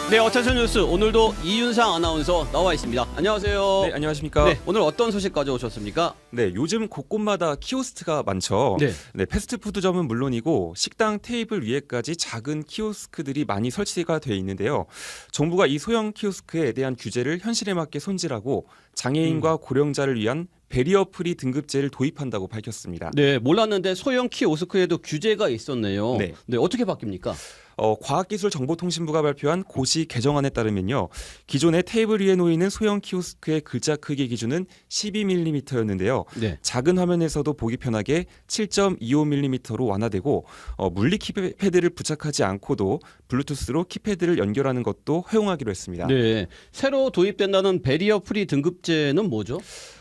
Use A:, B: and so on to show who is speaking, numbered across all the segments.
A: 네, 어텐션 뉴스 오늘도 이윤상 아나운서 나와 있습니다. 안녕하세요.
B: 네, 안녕하십니까.
A: 네, 오늘 어떤 소식 가져오셨습니까?
B: 네, 요즘 곳곳마다 키오스크가 많죠.
A: 네.
B: 네, 패스트푸드점은 물론이고 식당 테이블 위에까지 작은 키오스크들이 많이 설치가 돼 있는데요. 정부가 이 소형 키오스크에 대한 규제를 현실에 맞게 손질하고 장애인과 고령자를 위한 베리어 프리 등급제를 도입한다고 밝혔습니다.
A: 네, 몰랐는데 소형 키오스크에도 규제가 있었네요.
B: 네.
A: 네, 어떻게 바뀝니까?
B: 과학기술정보통신부가 발표한 고시 개정안에 따르면요. 기존의 테이블 위에 놓이는 소형 키오스크의 글자 크기 기준은 12mm였는데요.
A: 네.
B: 작은 화면에서도 보기 편하게 7.25mm로 완화되고 물리 키패드를 부착하지 않고도 블루투스로 키패드를 연결하는 것도 허용하기로 했습니다.
A: 네, 새로 도입된다는 베리어 프리 등급제는 뭐죠?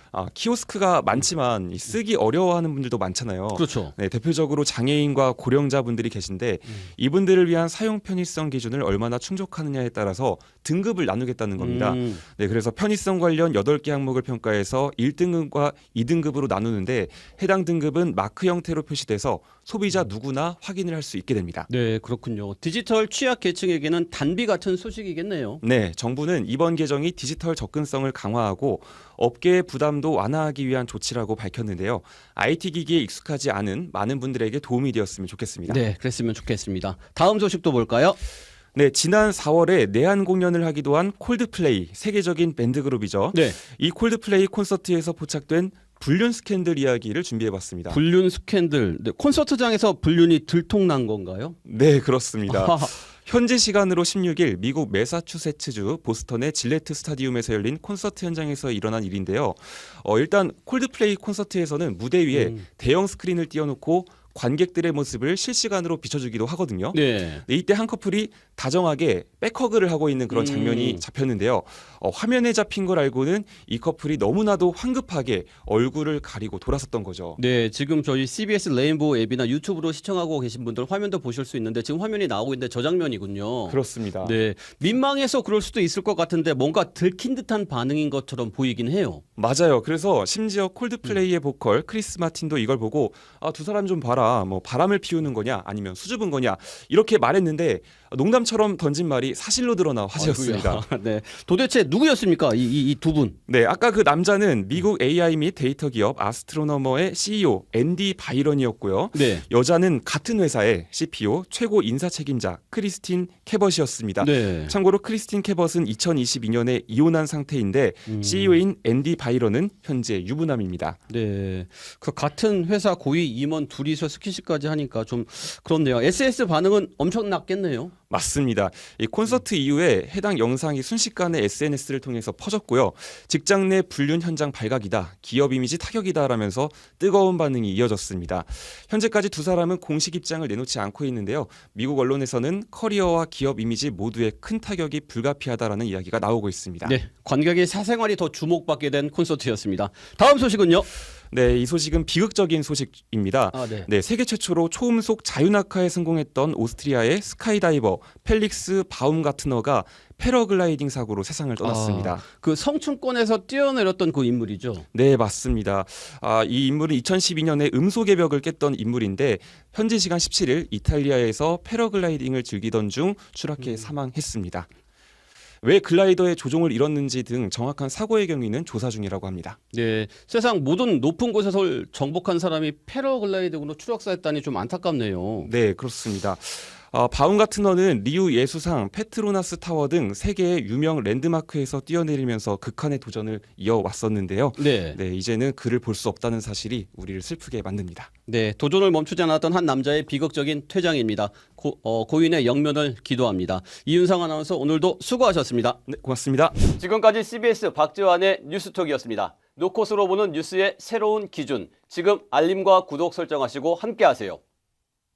B: 키오스크가 많지만 쓰기 어려워하는 분들도 많잖아요.
A: 그렇죠.
B: 네, 대표적으로 장애인과 고령자분들이 계신데 이분들을 위한 사용 편의성 기준을 얼마나 충족하느냐에 따라서 등급을 나누겠다는 겁니다. 네, 그래서 편의성 관련 8개 항목을 평가해서 1등급과 2등급으로 나누는데 해당 등급은 마크 형태로 표시돼서 소비자 누구나 확인을 할 수 있게 됩니다.
A: 네, 그렇군요. 디지털 취약 계층에게는 단비 같은 소식이겠네요.
B: 네, 정부는 이번 개정이 디지털 접근성을 강화하고 업계의 부담도 완화하기 위한 조치라고 밝혔는데요. IT 기기에 익숙하지 않은 많은 분들에게 도움이 되었으면 좋겠습니다.
A: 네, 그랬으면 좋겠습니다. 다음 소식도 볼까요?
B: 네, 지난 4월에 내한 공연을 하기도 한 콜드플레이, 세계적인 밴드 그룹이죠.
A: 네,
B: 이 콜드플레이 콘서트에서 포착된 불륜 스캔들 이야기를 준비해봤습니다.
A: 불륜 스캔들. 네, 콘서트장에서 불륜이 들통난 건가요?
B: 네, 그렇습니다. 현지 시간으로 16일 미국 매사추세츠주 보스턴의 질레트 스타디움에서 열린 콘서트 현장에서 일어난 일인데요. 일단 콜드플레이 콘서트에서는 무대 위에 대형 스크린을 띄워놓고 관객들의 모습을 실시간으로 비춰주기도 하거든요.
A: 네.
B: 이때 한 커플이 다정하게 백허그를 하고 있는 그런 장면이 잡혔는데요. 화면에 잡힌 걸 알고는 이 커플이 너무나도 황급하게 얼굴을 가리고 돌아섰던 거죠.
A: 네, 지금 저희 CBS 레인보우 앱이나 유튜브로 시청하고 계신 분들 화면도 보실 수 있는데 지금 화면이 나오고 있는데 저 장면이군요.
B: 그렇습니다.
A: 네, 민망해서 그럴 수도 있을 것 같은데 뭔가 들킨 듯한 반응인 것처럼 보이긴 해요.
B: 맞아요. 그래서 심지어 콜드플레이의 보컬 크리스 마틴도 이걸 보고 두 사람 좀 봐라. 뭐 바람을 피우는 거냐 아니면 수줍은 거냐 이렇게 말했는데 농담처럼 던진 말이 사실로 드러나 화제였습니다.
A: 아이고야. 네, 도대체 누구였습니까? 이 두 분.
B: 네, 아까 그 남자는 미국 AI 및 데이터 기업 아스트로너머의 CEO 앤디 바이런이었고요.
A: 네.
B: 여자는 같은 회사의 CPO 최고 인사 책임자 크리스틴 캐벗이었습니다.
A: 네.
B: 참고로 크리스틴 캐벗은 2022년에 이혼한 상태인데 CEO인 앤디 바이런은 현재 유부남입니다.
A: 네, 그 같은 회사 고위 임원 둘이서 스킨십까지 하니까 좀 그렇네요. SS 반응은 엄청났겠네요.
B: 맞습니다. 이 콘서트 이후에 해당 영상이 순식간에 SNS를 통해서 퍼졌고요. 직장 내 불륜 현장 발각이다, 기업 이미지 타격이다라면서 뜨거운 반응이 이어졌습니다. 현재까지 두 사람은 공식 입장을 내놓지 않고 있는데요. 미국 언론에서는 커리어와 기업 이미지 모두에 큰 타격이 불가피하다라는 이야기가 나오고 있습니다.
A: 네, 관객의 사생활이 더 주목받게 된 콘서트였습니다. 다음 소식은요?
B: 네, 이 소식은 비극적인 소식입니다.
A: 네.
B: 세계 최초로 초음속 자유낙하에 성공했던 오스트리아의 스카이다이버 펠릭스 바움가트너가 패러글라이딩 사고로 세상을 떠났습니다.
A: 그 성층권에서 뛰어내렸던 그 인물이죠.
B: 네, 맞습니다. 이 인물은 2012년에 음속의 벽을 깼던 인물인데 현지 시간 17일 이탈리아에서 패러글라이딩을 즐기던 중 추락해 사망했습니다. 왜 글라이더의 조종을 잃었는지 등 정확한 사고의 경위는 조사 중이라고 합니다.
A: 네, 세상 모든 높은 곳에서 정복한 사람이 패러글라이딩으로 추락사했다니 좀 안타깝네요.
B: 네, 그렇습니다. 바움가트너는 리우 예수상, 페트로나스 타워 등 세계의 유명 랜드마크에서 뛰어내리면서 극한의 도전을 이어왔었는데요.
A: 네.
B: 네, 이제는 그를 볼 수 없다는 사실이 우리를 슬프게 만듭니다.
A: 네, 도전을 멈추지 않았던 한 남자의 비극적인 퇴장입니다. 고인의 영면을 기도합니다. 이윤상 아나운서 오늘도 수고하셨습니다.
B: 네, 고맙습니다.
A: 지금까지 CBS 박지환의 뉴스톡이었습니다. 노컷으로 보는 뉴스의 새로운 기준. 지금 알림과 구독 설정하시고 함께하세요.